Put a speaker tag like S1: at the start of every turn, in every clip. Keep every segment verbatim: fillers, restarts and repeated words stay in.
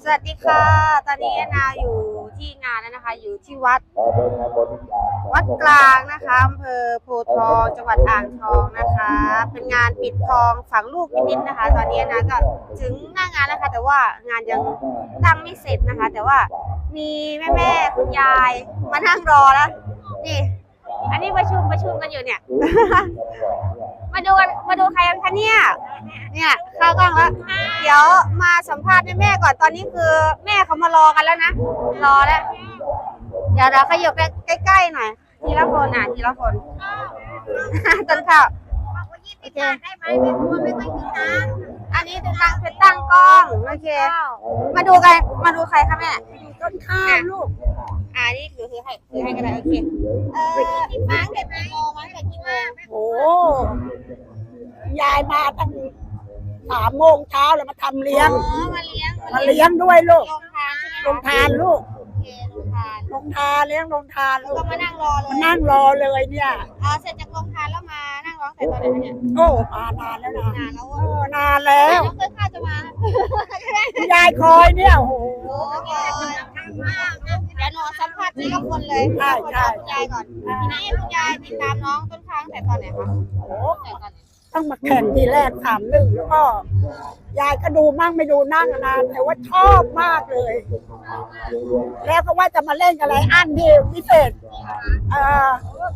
S1: สวัสดีค่ะตอนนี้แอนนาอยู่ที่งานแล้วนะคะอยู่ที่วัดวัดกลางนะคะอำเภอโพธิ์ทองจังหวัดอ่างทองนะคะเป็นงานปิดทองฝังลูกนิมิตนะคะ ตอนนี้แอนนาก็ถึงหน้างานแล้วค่ะแต่ว่างานยังตั้งไม่เสร็จนะคะ แต่ว่ามีแม่แม่คุณยายมานั่งรอแล้วนี่อันนี้ประชุมประชุมกันอยู่เนี่ย มาดูกันมาดูใครกันคะเนี่ยเนี่ยเข้ากล้องแล้วเดี๋ยวมาสัมภาษณ์แม่ก่อนตอนนี้คือแม่เขามารอกันแล้วนะรอแล้วเดี๋ยวเราขยับใกล้ๆหน่อยทีละคนอ่ะทีละคนต้นข้าวโอเคได้ไหมไม่กลัวไม่ค่อยมีตังอันนี้เป็นตั้งเป็นตั้งกล้องโอเคมาดูกันมาดูใครคะแม่ต้นข้าวลูกอ่านี่คือคือให้คือให้กันเลยโอเคเออที่ฟังเด็กโมมาตั้งแต่กี่โมงโอ้
S2: ยายมาตั้งสามโมงเช้าแล้วมาทำเลี้ยง
S1: มาเลี้ยง
S2: มาเลี้ยงด้วยลูก
S1: ลงทานใช่ไหม
S2: ลงทานลูก
S1: โอเคลงทาน
S2: ลงทานเลี้ยงลงทานลูก
S1: ก็มานั่งรอเลย
S2: มานั่งรอเลยเนี่ย
S1: อ่าเสร็จจากลงทานแล้วมานั่งร้องแต่ตอนไหนเนี่ย
S2: โอ้มานานแล้วนะ
S1: นานแล้ว
S2: เออนานแล้ว
S1: น้องเคยข้าจะมาย
S2: ายคอยเนี่ยโอ้โห
S1: เดี๋ยวหนูสัมภาษณ์ทีละคนเลยใช่ใช่คุณยายก่อนทีนี้คุณยายติดตามน้องต้นค้างแต่ตอนไหนคะ
S2: โอ้ต้องมาแข่งทีแรกสามหนึ่งแล้วก็ยายก็ดูมั่งไม่ดูนั่งนะแต่ว่าชอบมากเลย แล้วก็ว่าจะมาเล่นอะไรอันที่พิเศษเออ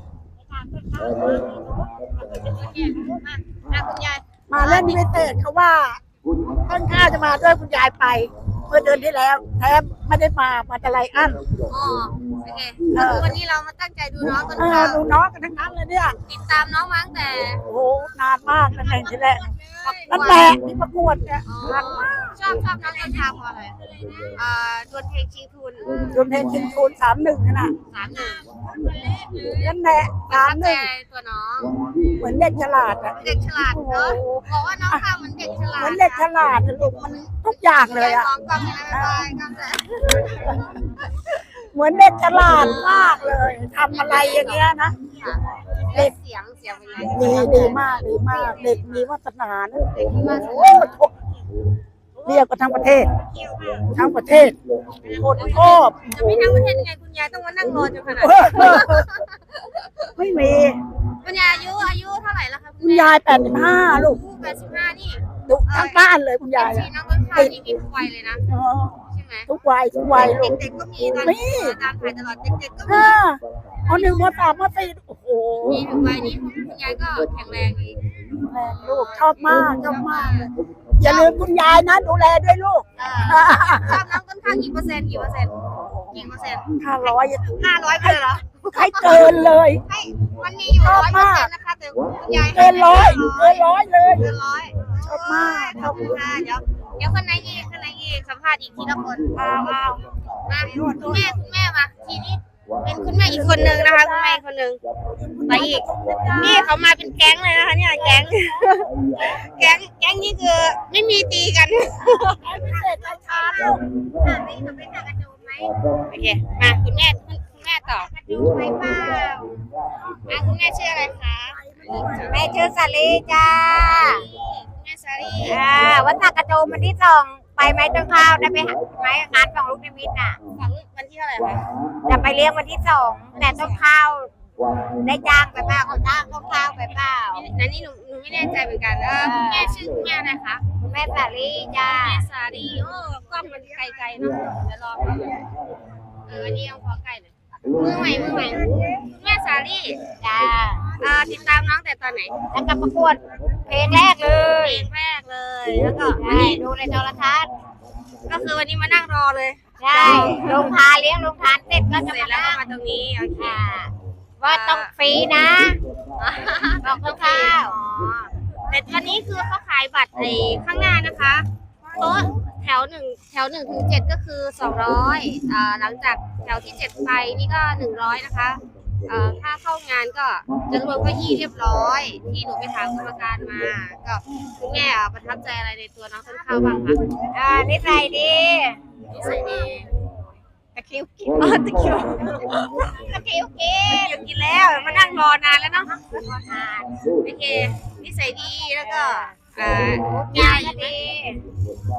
S1: คุณยาย
S2: มาเล่นพิเศษเขาว่าต้นข้าวจะมาด้วยคุณยายไปเมื่อเดือนที่แล้วแทบไม่ได้มามาแต่ไรอัน
S1: อ๋อโอเคก็คือวันนี้เรามาตั้งใจดูน้องต้นข้าว
S2: ดูน้องกันทั้งนั้นเลยเนี่ย
S1: ติดตามน้องมาตั้งแต่
S2: โอ้โหนานมากนั่นเองทีแรกนั่นแหละที่ประกวดเนี่ย
S1: ชอบชอบน้องต้นข้าวเพราะอะไรอ่าดวลเพลงชิงทุน
S2: ดวลเพลงชิงทุนสามหนึ่งนะ
S1: สามหนึ่ง
S2: นั่นแหละสามหนึ่ง
S1: ตัวน้อง
S2: เหมือนเด็กฉลาดอะ
S1: เด็กฉลาดเนาะบอกว่าน้องข้าวเหมือนเด็กฉลาด
S2: เหมือนเด็กฉลาดลูกมันทุกอย่างเลยอะเหมือนเด็กฉลาดมากเลยทำอะไรอย่างเงี้ยนะ
S1: เด็กเสียงเสียงเป็นไง
S2: ดีดีมากดีมากเด็กมีวาสนาเด็กมีวาสนาเรียกว่าทั้งประเทศทั้งประเทศคนชอบ
S1: จะไม่ทั้งประเทศยังไงคุณยายต้องมานั่งรอจนขนาด
S2: ไม่มี
S1: คุณยายอายุอายุเท่าไหร่แล้วคะ
S2: คุณยายแปดสิบห้าลูก
S1: แปดสิบห้านี่
S2: ดุทั้งบ้านเลยคุณยาย
S1: น้องต้นข้าวนี่มีทุกวัยเลยนะใช่ไหม
S2: ทุกวัยทุกวัยลูก
S1: เด็กๆก็มีตอนนี้ตามถ่ายตลอดเด็กๆก็มี
S2: เอาหนึ่งมาสามมาสี่โอ้โห
S1: มีทุกวัยนี้คุณยายก็แข็งแรงดี
S2: แรงลูกชอบมากชอบมากอย่าลืมคุณยายนะดูแลด้วยลูก
S1: ชอบน้องต้นข้าวกี่เปอร์เซ็นต์กี่เปอร์เซ็นต์กี่เปอร์เซ็นต์
S2: ห้าร้อย
S1: ห้าร้อยไปเลยเหรอ
S2: ให้เกินเลย
S1: ให้มันมีอยู่ร้อยเปอร์เซ็นต์นะคะแต่คุณยาย
S2: เกินร้อยเกินร้อยเลย
S1: เกินร้อย
S2: ชอบมาก
S1: ขอบคุณค่ะเดี๋ยวเดี๋ยวคนไหนอีกคนไหนอีกสัมภาษณ์อีกทีละคนว้าวว้าวมาคุณแม่คุณแม่มาทีนี้เป็นคุณแม่อีกคนนึงนะคะคุณแม่คนนึงไปอีกนี่เขามาเป็นแก๊งเลยนะคะเนี่ยแก๊งแก๊งแก๊งนี่คือไม่มีตีกัน
S2: พิเศษช้าๆลูก
S1: ไม่ทำไม่ตัดกระโจมไหมโอเคมาคุณแม่คุณแม่ต่อกระโจมไหมเปล่าอ่ะคุณแม่ชื่ออะไรคะ
S2: แม่ชื่อสาลีจ้า
S1: แม่สาลี
S2: อ่าวันตักกระโจมวันที่สองไปไหมต้นข้าวได้ไปไหมงานของลูกนิมิตน่ะ
S1: ของวันที่เท่าไหร่คะ
S2: จะไปเลี้ยงวันที่สองแต่ต้นข้าวได้จ้างไปเปล่าเขาจ้างต้นข้าวไปเปล่า
S1: นั่นนี่หนูหนูไม่แน่ใจเหมือนกันเออคุณแม่ชื่อคุณแม่อะไรคะ
S2: คุณแม่สาลีจ้า
S1: แม่สาลีโอ้กล้องมันไกลๆเนาะเดี๋ยวรอเอออันนี้เอาพอใกล้เลยมือใหม่มือใหม่แม่สาลี
S2: จ้า
S1: เออติดตามน้องแต่ตอนไหน
S2: แล้วก็ประกวดเพลงแรกเลย
S1: เพลงแรกเลยแล้วก็วันนี้
S2: ดูในโทรทัศน์
S1: ก็คือวันนี้มานั่งรอเลย
S2: ใช่ลงทานเลี้ยงลงทานเสร็จก็จะ
S1: เสร็จแล้วก็มาตรงนี้โอเค
S2: ว่าต้องฟรีนะบอกต้นข้าว
S1: แต่วันนี้คือเขาขายบัตรในข้างหน้านะคะโต๊ะแถวหนึ่งแถวหนึ่งถึงเจ็ดก็คือสองร้อยอ่าหลังจากแถวที่เจ็ดไปนี่ก็หนึ่งร้อยนะคะเอ่อค่าเข้างานก็จะรวมเก้าอี้เรียบร้อยที่หนูไปถามกรรมการมาก็คุณแม่ประทับใจอะไรในตัวน้องต้นข้าวบ้างคะ
S2: อ่านิสัยดี
S1: นิสัยดี
S2: ตะคิวกินอ๋อตะคิวตะคิวกิน
S1: อยู่กินแล้วมานั่งรอนานแล้วเนาะรอนานโอเคนิสัยดีแล้วก็อ่างานดีมี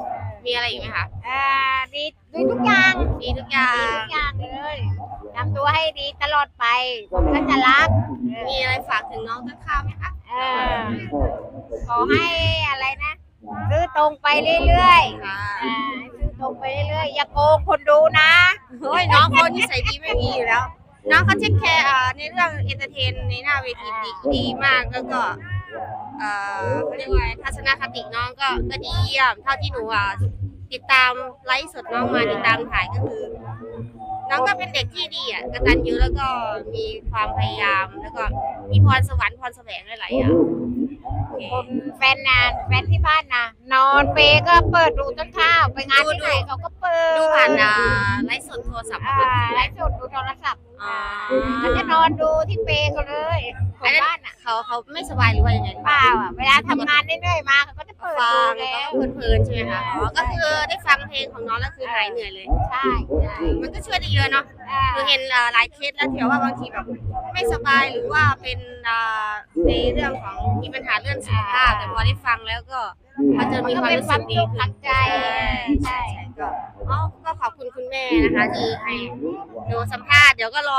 S1: มีอะไรอีกไหมคะ
S3: อ่าดีดีทุกอย่าง
S1: ดีทุกอย่าง
S3: ดีทุกอย่างเลยทำตัวให้ดีตลอดไปผมก็จะรัก
S1: มีอะไรฝากถึงน้องต้นข้าวไหมคะ
S3: เออขอให้อะไรนะซื้อตรงไปเรื่อยๆ
S1: ค่ะ
S3: อ่าให้ซื้อตรงไปเรื่อยๆอย่าโกงคนดูนะ
S1: เฮ้ยน้องเขานิสัยดีไม่มีอยู่แล้ว น้องเขาเทคแคร์อ่าในเรื่องเอนเตอร์เทนในหน้าเวทีดีดีมากแล้วก็เอ่อเขาเรียกว่าไงทัศนคติน้องก็ก็ดีเยี่ยมเท่าที่หนูอ่ะติดตามไลฟ์สดน้องมาติดตามถ่ายก็คือ น้องก็เป็นเด็กที่ดีอ่ะกตัญญูแล้วก็มีความพยายามแล้วก็มีพรสวรรค์พรแสวงหลายๆอย่าง
S3: คนแฟนนานแฟนที่บ้านนะนอนเปก็เปิดดูต้นข้าวไปงานที่ไหนเขาก็เปิด
S1: ดูผ่านอ่าไลฟ์สดโทรศัพท์
S3: อ่าไลฟ์สดดูโทรศัพท์
S1: อ๋อ
S3: เขาจะนอนดูที่เปก็เลยข
S1: อั
S3: อน ง
S1: นั้น
S3: บ้านอ่ะ
S1: เขาเขาไม่สบายหรือว่ายังไง
S3: เปล่าอ่ะเวลาทำงานเหนื่อยๆมาเขาก็จะเปิด
S1: ฟั
S3: ดู
S1: ง
S3: แล้
S1: แล้ว
S3: ว
S1: ก็เพลินๆใช่ไหมคะอ๋อก็คือได้ฟังเพลงของน้องแล้วคือหายเหนื่อยเลย
S3: ใช่ใช่
S1: มันก็ช่วยได้เยอะเนาะ
S3: อ่า
S1: หนูเห็นเอ่อหลายเคสแล้วที่แบบว่าบางทีแบบไม่สบายหรือว่าเป็นอ่าในเรื่องของมีปัญหาเรื่องสุขภาพแต่พอได้ฟังแล้วก็เขาจะมีความรู้สึกดี
S3: มันก็เป็นความสุขทางใจ
S1: ใช่ใช่ก็อ๋อก็ขอบคุณคุณแม่นะคะที่ให้หนูสัมภาษณ์เดี๋ยวก็รอ